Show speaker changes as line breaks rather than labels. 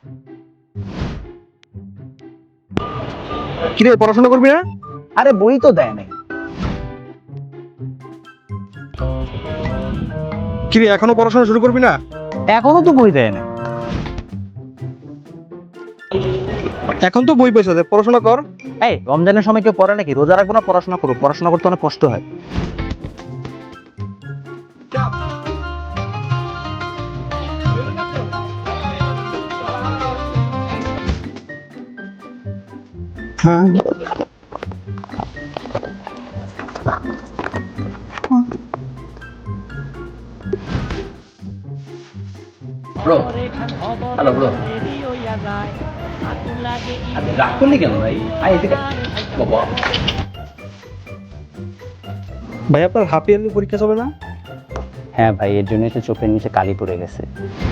কিরে পড়াশোনা করবি না?
আরে বই তো দেয় নাই।
কিরে এখনো পড়াশোনা শুরু করবি না?
এখনো তো বই দেয় নাই।
এখন তো বই পয়সা দে, পড়াশোনা কর।
এই রমজানের সময় কেউ পড়ে নাকি? রোজা রাখবো না পড়াশোনা করবো? পড়াশোনা করতে অনেক কষ্ট হয়।
Bro, hello bro. রাগ করলি কেন ভাই? আয় এদিকে। বাবা,
ভাই আপনার হাফ ইয়ারলি পরীক্ষা চলে না?
হ্যাঁ ভাই, এর জন্যই তো চোখের নিচে কালি পড়ে গেছে।